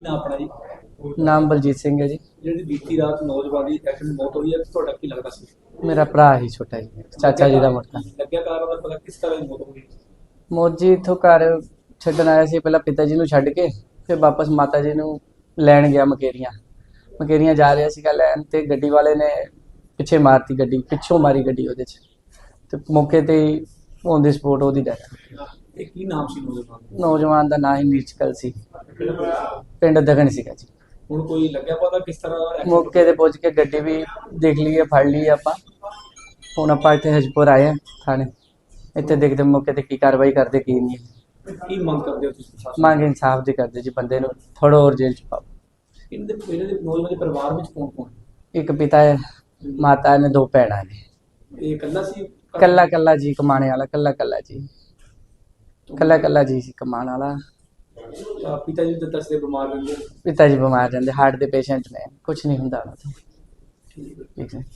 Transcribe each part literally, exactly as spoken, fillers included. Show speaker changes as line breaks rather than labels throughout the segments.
ਨਾ ਆਪਣਾ ਜੀ
ਨਾਮ ਬਲਜੀਤ ਸਿੰਘ ਹੈ ਜੀ।
ਜਿਹੜੀ ਬੀਤੀ ਰਾਤ ਨੌਜਵਾਨ ਦੀ ਐਕਸੀਡੈਂਟ ਮੌਤ ਹੋਈ ਹੈ ਤੁਹਾਡਾ ਕੀ ਲੱਗਦਾ ਸੀ?
ਮੇਰਾ ਭਰਾ ਹੀ ਛੋਟਾ ਜੀ, ਚਾਚਾ ਜੀ ਦਾ ਮੁੰਡਾ।
ਲੱਗਿਆ ਕਾਰਨ ਦਾ ਪਤਾ ਕਿਸ ਤਰ੍ਹਾਂ ਦੀ ਮੌਤ ਹੋਈ?
ਮੌਤ ਜੀ ਇੱਥੋਂ ਘਰ ਛੱਡਣ ਆਇਆ ਸੀ, ਪਹਿਲਾਂ ਪਿਤਾ ਜੀ ਨੂੰ ਛੱਡ ਕੇ ਫਿਰ ਵਾਪਸ ਮਾਤਾ ਜੀ ਨੂੰ ਲੈਣ ਗਿਆ ਮਕੇਰੀਆਂ। ਮਕੇਰੀਆਂ ਜਾ ਰਿਹਾ ਸੀਗਾ ਲੈਣ ਤੇ ਗੱਡੀ ਵਾਲੇ ਨੇ ਪਿੱਛੇ ਮਾਰਤੀ ਗੱਡੀ, ਪਿੱਛੋਂ ਮਾਰੀ ਗੱਡੀ ਉਹਦੇ 'ਚ ਤੇ ਮੌਕੇ ਤੇ ਹੀ ਔਨ ਦੀ ਸਪੋਟ ਉਹਦੀ ਡੈਥ।
ਇਹ ਕੀ ਨਾਮ ਸੀ ਨੌਜਵਾਨ ਦਾ?
ਨੌਜਵਾਨ ਦਾ ਨਾਂ ਹੀ ਨੀਰਜਕਲ ਸੀ, ਪਿੰਡ ਦਗਨ ਸੀਗਾ ਜੀ।
ਹੁਣ ਕੋਈ ਲੱਗਿਆ ਪਤਾ ਕਿਸ ਤਰ੍ਹਾਂ accident
ਮੌਕੇ ਤੇ ਪਹੁੰਚ ਕੇ ਗੱਡੀ ਵੀ ਦੇਖ ਲਈ ਹੈ, ਫੜ ਲਈ ਹੈ ਆਪਾਂ। ਹੁਣ ਆਪਾਂ ਇੱਥੇ ਹਜਪੁਰ ਆਏ ਹਾਂ ਥਾਣੇ, ਇੱਥੇ ਦੇਖਦੇ ਮੌਕੇ ਤੇ ਕੀ ਕਾਰਵਾਈ ਕਰਦੇ ਕੀ ਨਹੀਂ।
ਹੋਈ? ਕੀ ਮੰਗ ਕਰਦੇ ਹੋ ਤੁਸੀਂ ਪ੍ਰਸ਼ਾਸਨ
ਮੰਗ ਇਨਸਾਫ ਦੀ ਕਰਦੇ ਜੀ, ਬੰਦੇ ਨੂੰ ਥੋੜਾ ਹੋਰ ਜੇਲ੍ਹ ਚ ਪਾਓ।
ਇਹਦੇ ਇਹਦੇ ਦੇ ਨੌਜਵਾਨ ਦੇ ਪਰਿਵਾਰ ਵਿੱਚ ਕੌਣ ਕੌਣ ਹੈ?
ਇੱਕ ਪਿਤਾ ਹੈ, ਮਾਤਾ ਨੇ, ਦੋ ਭੈਣਾਂ ਨੇ।
ਇਹ ਇਕੱਲਾ ਸੀ?
ਕੱਲਾ ਕੱਲਾ ਜੀ ਕਮਾਣੇ ਵਾਲਾ, ਕੱਲਾ ਕੱਲਾ ਜੀ, ਕੱਲਾ ਕੱਲਾ ਜੀ ਸੀ ਕਮਾਣ ਵਾਲਾ।
ਅਹ ਪਿਤਾ ਜੀ ਦੇ ਦੱਸਦੇ ਬਿਮਾਰ ਰਹਿੰਦੇ ਆ।
ਪਿਤਾ ਜੀ ਬਿਮਾਰ ਰਹਿੰਦੇ, ਹਾਰਟ ਦੇ ਪੇਸ਼ੈਂਟ ਨੇ, ਕੁਝ ਨਹੀਂ ਹੁੰਦਾ ਉਹਨਾਂ ਤੋਂ।
ਠੀਕ ਹੈ।
ਠੀਕ ਹੈ।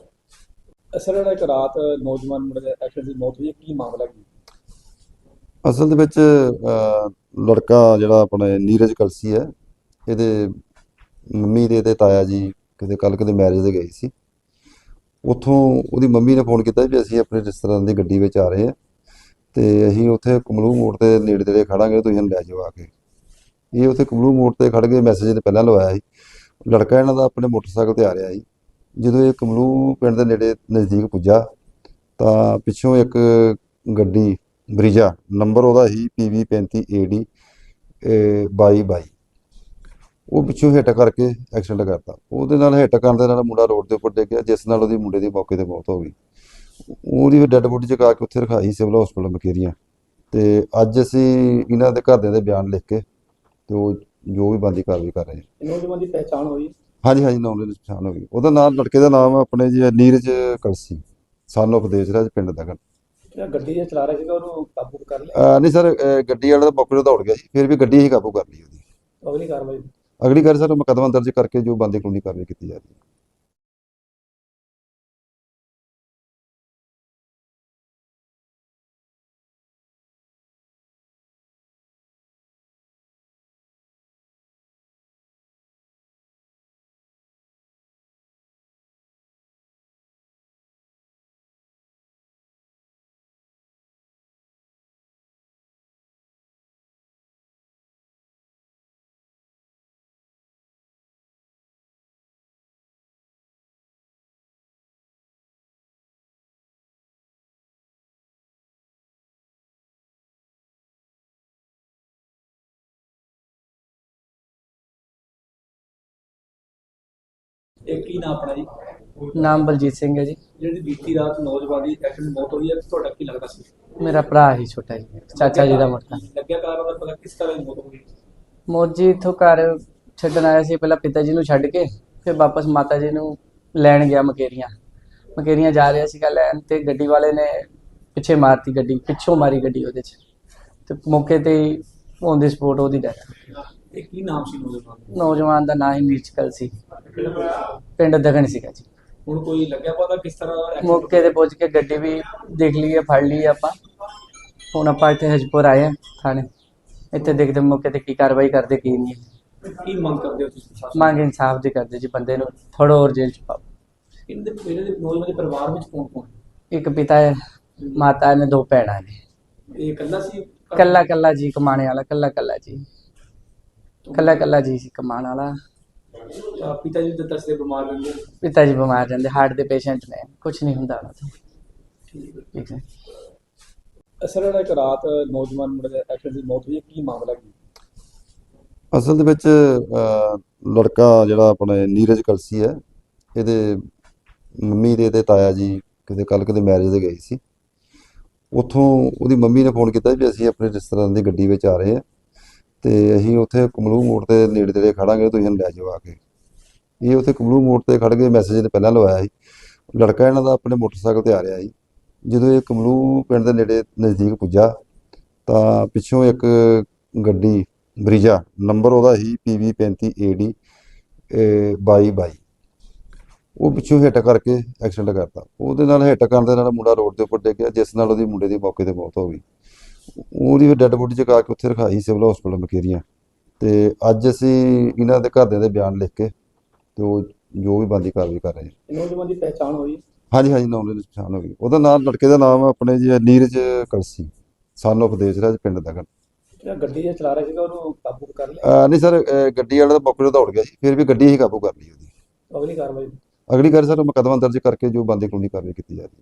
ਅਸਲ ਵਿੱਚ ਇੱਕ ਰਾਤ ਨੌਜਵਾਨ ਮੁੰਡੇ ਦੇ ਐਕਸੀਡੈਂਟ ਦੀ ਮੌਤ ਹੋਈ ਹੈ, ਕੀ ਮਾਮਲਾ ਕੀ?
ਅਸਲ ਦੇ ਵਿੱਚ ਅਹ, ਲੜਕਾ ਜਿਹੜਾ ਆਪਣੇ ਨੀਰਜ ਕਲਸੀ ਹੈ, ਇਹਦੇ ਮੰਮੀ ਦੇ ਤੇ ਤਾਇਆ ਜੀ ਕਿਤੇ ਕੱਲ੍ਹ ਕਿਤੇ ਮੈਰਿਜ 'ਤੇ ਗਏ ਸੀ। ਉੱਥੋਂ ਉਹਦੀ ਮੰਮੀ ਨੇ ਫੋਨ ਕੀਤਾ ਵੀ ਅਸੀਂ ਆਪਣੇ ਰਿਸ਼ਤੇਦਾਰਾਂ ਦੀ ਗੱਡੀ ਵਿੱਚ ਆ ਰਹੇ ਹਾਂ ਅਤੇ ਅਸੀਂ ਉੱਥੇ ਕਮਲੂ ਮੋੜ 'ਤੇ ਨੇੜੇ ਤੇੜੇ ਖੜਾਂਗੇ, ਤੁਸੀਂ ਸਾਨੂੰ ਲੈ ਜਾਓ ਆ ਕੇ। ਇਹ ਉੱਥੇ ਕਮਲੂ ਮੋੜ 'ਤੇ ਖੜ੍ਹ ਕੇ ਮੈਸੇਜ ਨੇ ਪਹਿਲਾਂ ਲਵਾਇਆ ਸੀ। ਲੜਕਾ ਇਹਨਾਂ ਦਾ ਆਪਣੇ ਮੋਟਰਸਾਈਕਲ 'ਤੇ ਆ ਰਿਹਾ ਸੀ। ਜਦੋਂ ਇਹ ਕਮਲੂ ਪਿੰਡ ਦੇ ਨੇੜੇ ਨਜ਼ਦੀਕ ਪੁੱਜਾ ਤਾਂ ਪਿੱਛੋਂ ਇੱਕ ਗੱਡੀ ਬਰੀਜਾ, ਨੰਬਰ ਉਹਦਾ ਸੀ ਪੀ ਵੀ ਪੈਂਤੀ ਏ ਡੀ ਬਾਈ ਬਾਈ, ਉਹ ਪਿੱਛੋਂ ਹਿੱਟ ਕਰਕੇ ਐਕਸੀਡੈਂਟ ਕਰਤਾ। ਉਹਦੇ ਨਾਲ ਹਿੱਟ ਕਰਨ ਦੇ ਨਾਲ ਮੁੰਡਾ ਰੋਡ ਦੇ ਉੱਪਰ ਡਿੱਗ ਗਿਆ, ਜਿਸ ਨਾਲ ਉਹਦੀ ਮੁੰਡੇ ਦੀ ਮੌਕੇ 'ਤੇ ਮੌਤ ਹੋ ਗਈ। ਉਹਦੀ ਫਿਰ ਡੈੱਡ ਬੋਡੀ ਚੁਕਾ ਕੇ ਉੱਥੇ ਰਖਾਈ ਸਿਵਲ ਹਸਪਤਾਲ ਮਕੇਰੀਆਂ। ਅਤੇ ਅੱਜ ਅਸੀਂ ਇਹਨਾਂ ਦੇ ਘਰਦਿਆਂ ਦੇ ਬਿਆਨ ਲਿਖ ਕੇ ਅਤੇ ਉਹ ਜੋ ਵੀ ਬਣਦੀ ਕਾਰਵਾਈ ਕਰ ਰਹੇ ਹਾਂ।
ਨੌਜਵਾਨ ਦੀ ਪਹਿਚਾਣ ਹੋਈ?
ਹਾਂਜੀ ਹਾਂਜੀ, ਨਾਮ ਦੀ ਪਛਾਣ ਹੋ ਗਈ। ਉਹਦਾ ਨਾਮ, ਲੜਕੇ ਦਾ ਨਾਮ ਆਪਣੇ ਜੀ ਨੀਰਜ ਕਲਸੀ, ਸਨ ਆਫ ਦੇਜਰਾਜ, ਪਿੰਡ ਦਗਨ।
ਜਿਹੜਾ ਗੱਡੀ ਜੇ ਚਲਾ ਰਿਹਾ ਸੀਗਾ ਉਹਨੂੰ ਕਾਬੂ ਕਰ ਲਿਆ?
ਅਹ ਨਹੀਂ ਸਰ, ਅਹ ਗੱਡੀ ਵਾਲਾ ਤਾਂ ਮੌਕੇ 'ਤੇ ਦੌੜ ਗਿਆ ਜੀ, ਫਿਰ ਵੀ ਗੱਡੀ ਹੀ ਕਾਬੂ ਕਰ ਲਈ ਉਹਦੀ।
ਅਗਲੀ ਕਾਰਵਾਈ?
ਅਗਲੀ ਗੱਲ ਸਰ ਮੁਕੱਦਮਾ ਦਰਜ ਕਰਕੇ ਜੋ ਬਣਦੀ ਕਾਨੂੰਨੀ ਕਾਰਵਾਈ ਕੀਤੀ ਜਾ ਰਹੀ ਹੈ।
ਇਹ ਕੀ ਨਾਮ ਆਪਣਾ ਜੀ?
ਨਾਮ ਬਲਜੀਤ ਸਿੰਘ ਹੈ ਜੀ।
ਜਿਹੜੀ ਬੀਤੀ ਰਾਤ ਨੌਜਵਾਨ ਦੀ ਐਕਸੀਡੈਂਟ ਮੌਤ ਹੋਈ ਹੈ ਤੁਹਾਡਾ ਕੀ ਲੱਗਦਾ ਸੀ?
ਮੇਰਾ ਭਰਾ ਹੀ ਛੋਟਾ ਜੀ, ਚਾਚਾ ਜੀ ਦਾ ਮੁੰਡਾ।
ਲੱਗਿਆ ਕਾਰਨ ਦਾ ਪਤਾ ਕਿਸ ਤਰ੍ਹਾਂ ਦੀ ਮੌਤ ਹੋਈ?
ਮੌਤ ਜੀ ਇੱਥੋਂ ਘਰ ਛੱਡਣ ਆਇਆ ਸੀ, ਪਹਿਲਾਂ ਪਿਤਾ ਜੀ ਨੂੰ ਛੱਡ ਕੇ ਫਿਰ ਵਾਪਸ ਮਾਤਾ ਜੀ ਨੂੰ ਲੈਣ ਗਿਆ ਮਕੇਰੀਆਂ। ਮਕੇਰੀਆਂ ਜਾ ਰਿਹਾ ਸੀਗਾ ਲੈਣ ਤੇ ਗੱਡੀ ਵਾਲੇ ਨੇ ਪਿੱਛੇ ਮਾਰਤੀ ਗੱਡੀ, ਪਿੱਛੋਂ ਮਾਰੀ ਗੱਡੀ ਉਹਦੇ 'ਚ ਤੇ ਮੌਕੇ ਤੇ ਹੀ ਔਨ ਦੀ ਸਪੋਟ ਉਹਦੀ ਡੈਥ।
ਇਹ ਕੀ ਨਾਮ ਸੀ ਨੌਜਵਾਨ ਦਾ?
ਨੌਜਵਾਨ ਦਾ ਨਾਂ ਹੀ ਨੀਰਜਕਲ ਸੀ, ਪਿੰਡ ਦਗਨ ਸੀਗਾ ਜੀ।
ਹੁਣ ਕੋਈ ਲੱਗਿਆ ਪਤਾ ਕਿਸ ਤਰ੍ਹਾਂ accident
ਮੌਕੇ ਤੇ ਪਹੁੰਚ ਕੇ ਗੱਡੀ ਵੀ ਦੇਖ ਲਈ ਹੈ, ਫੜ ਲਈ ਹੈ ਆਪਾਂ। ਹੁਣ ਆਪਾਂ ਇੱਥੇ ਹਜਪੁਰ ਆਏ ਹਾਂ ਥਾਣੇ, ਇੱਥੇ ਦੇਖਦੇ ਮੌਕੇ ਤੇ ਕੀ ਕਾਰਵਾਈ ਕਰਦੇ ਕੀ ਨਹੀਂ।
ਹੋਈ? ਕੀ ਮੰਗ ਕਰਦੇ ਹੋ ਤੁਸੀਂ ਪ੍ਰਸ਼ਾਸਨ
ਮੰਗ ਇਨਸਾਫ ਦੀ ਕਰਦੇ ਜੀ, ਬੰਦੇ ਨੂੰ ਥੋੜਾ ਹੋਰ ਜੇਲ੍ਹ ਚ ਪਾਓ।
ਇਹਦੇ ਇਹਦੇ ਦੇ ਨੌਜਵਾਨ ਦੇ ਪਰਿਵਾਰ ਵਿੱਚ ਕੌਣ ਕੌਣ ਹੈ?
ਇੱਕ ਪਿਤਾ ਹੈ, ਮਾਤਾ ਨੇ, ਦੋ ਭੈਣਾਂ ਨੇ।
ਇਹ ਇਕੱਲਾ ਸੀ?
ਕੱਲਾ ਕੱਲਾ ਜੀ ਕਮਾਣੇ ਵਾਲਾ, ਕੱਲਾ ਕੱਲਾ ਜੀ, ਕੱਲਾ ਕੱਲਾ ਜੀ ਸੀ ਕਮਾਣ ਵਾਲਾ।
ਅਹ ਪਿਤਾ ਜੀ ਦੇ ਦੱਸਦੇ ਬਿਮਾਰ ਰਹਿੰਦੇ ਆ।
ਪਿਤਾ ਜੀ ਬਿਮਾਰ ਰਹਿੰਦੇ, ਹਾਰਟ ਦੇ ਪੇਸ਼ੈਂਟ ਨੇ, ਕੁਝ ਨਹੀਂ ਹੁੰਦਾ ਉਹਨਾਂ ਤੋਂ।
ਠੀਕ ਹੈ।
ਠੀਕ ਹੈ।
ਅਸਲ ਵਿੱਚ ਇੱਕ ਰਾਤ ਨੌਜਵਾਨ ਮੁੰਡੇ ਦੇ ਐਕਸੀਡੈਂਟ ਦੀ ਮੌਤ ਹੋਈ ਹੈ, ਕੀ ਮਾਮਲਾ ਕੀ?
ਅਸਲ ਦੇ ਵਿੱਚ ਅਹ, ਲੜਕਾ ਜਿਹੜਾ ਆਪਣੇ ਨੀਰਜ ਕਲਸੀ ਹੈ, ਇਹਦੇ ਮੰਮੀ ਦੇ ਤੇ ਤਾਇਆ ਜੀ ਕਿਤੇ ਕੱਲ੍ਹ ਕਿਤੇ ਮੈਰਿਜ 'ਤੇ ਗਏ ਸੀ। ਉੱਥੋਂ ਉਹਦੀ ਮੰਮੀ ਨੇ ਫੋਨ ਕੀਤਾ ਵੀ ਅਸੀਂ ਆਪਣੇ ਰਿਸ਼ਤੇਦਾਰਾਂ ਦੀ ਗੱਡੀ ਵਿੱਚ ਆ ਰਹੇ ਹਾਂ ਅਤੇ ਅਸੀਂ ਉੱਥੇ ਕਮਲੂ ਮੋੜ 'ਤੇ ਨੇੜੇ ਤੇੜੇ ਖੜਾਂਗੇ, ਤੁਸੀਂ ਸਾਨੂੰ ਲੈ ਜਾਓ ਆ ਕੇ। ਇਹ ਉੱਥੇ ਕਮਲੂ ਮੋੜ 'ਤੇ ਖੜ੍ਹ ਕੇ ਮੈਸੇਜ ਨੇ ਪਹਿਲਾਂ ਲਵਾਇਆ ਸੀ। ਲੜਕਾ ਇਹਨਾਂ ਦਾ ਆਪਣੇ ਮੋਟਰਸਾਈਕਲ 'ਤੇ ਆ ਰਿਹਾ ਸੀ। ਜਦੋਂ ਇਹ ਕਮਲੂ ਪਿੰਡ ਦੇ ਨੇੜੇ ਨਜ਼ਦੀਕ ਪੁੱਜਾ ਤਾਂ ਪਿੱਛੋਂ ਇੱਕ ਗੱਡੀ ਬਰੀਜਾ, ਨੰਬਰ ਉਹਦਾ ਸੀ ਪੀ ਵੀ ਪੈਂਤੀ ਏ ਡੀ ਬਾਈ ਬਾਈ, ਉਹ ਪਿੱਛੋਂ ਹਿੱਟ ਕਰਕੇ ਐਕਸੀਡੈਂਟ ਕਰਤਾ। ਉਹਦੇ ਨਾਲ ਹਿੱਟ ਕਰਨ ਦੇ ਨਾਲ ਮੁੰਡਾ ਰੋਡ ਦੇ ਉੱਪਰ ਡਿੱਗ ਗਿਆ, ਜਿਸ ਨਾਲ ਉਹਦੀ ਮੁੰਡੇ ਦੀ ਮੌਕੇ 'ਤੇ ਮੌਤ ਹੋ ਗਈ। ਉਹਦੀ ਫਿਰ ਡੈੱਡ ਬੋਡੀ ਚੁਕਾ ਕੇ ਉੱਥੇ ਰਖਾਈ ਸਿਵਲ ਹਸਪਤਾਲ ਮਕੇਰੀਆਂ। ਤੇ ਅੱਜ ਅਸੀਂ ਇਹਨਾਂ ਦੇ ਘਰਦਿਆਂ ਦੇ ਬਿਆਨ ਲਿਖ ਕੇ ਤੇ ਉਹ ਜੋ ਵੀ ਬਣਦੀ ਕਾਰਵਾਈ ਕਰ ਰਹੇ ਹਾਂ।
ਨੌਜਵਾਨ ਦੀ ਪਹਿਚਾਣ ਹੋਈ?
ਹਾਂਜੀ ਹਾਂਜੀ ਨੌਲੇਜ ਪਛਾਣ ਹੋ ਗਈ। ਉਹਦਾ ਨਾਮ, ਲੜਕੇ ਦਾ ਨਾਮ ਆਪਣੇ ਜੀ ਨੀਰਜ ਕਲਸੀ, ਸਨ ਆਫ ਦੇਜਰਾਜ, ਪਿੰਡ ਦਾ ਗਾ।
ਜਿਹੜਾ ਗੱਡੀ ਜਿਹੜਾ ਚਲਾ ਰਿਹਾ ਸੀਗਾ ਉਹਨੂੰ ਕਾਬੂ ਕਰ ਲਿਆ?
ਅਹ ਨਹੀਂ ਸਰ, ਅਹ ਗੱਡੀ ਵਾਲਾ ਤਾਂ ਮੌਕੇ ਤੋਂ ਦੌੜ ਗਿਆ ਜੀ, ਫਿਰ ਵੀ ਗੱਡੀ ਹੀ ਕਾਬੂ ਕਰ ਲਈ ਉਹਦੀ।
ਅਗਲੀ ਕਾਰਵਾਈ?
ਅਗਲੀ ਗੱਲ ਸਰ ਮੁਕੱਦਮਾ ਦਰਜ ਕਰਕੇ ਜੋ ਬੰਦੀ ਕਾਨੂੰਨੀ ਕਾਰਵਾਈ ਕੀਤੀ ਜਾ ਰਹੀ ਹੈ।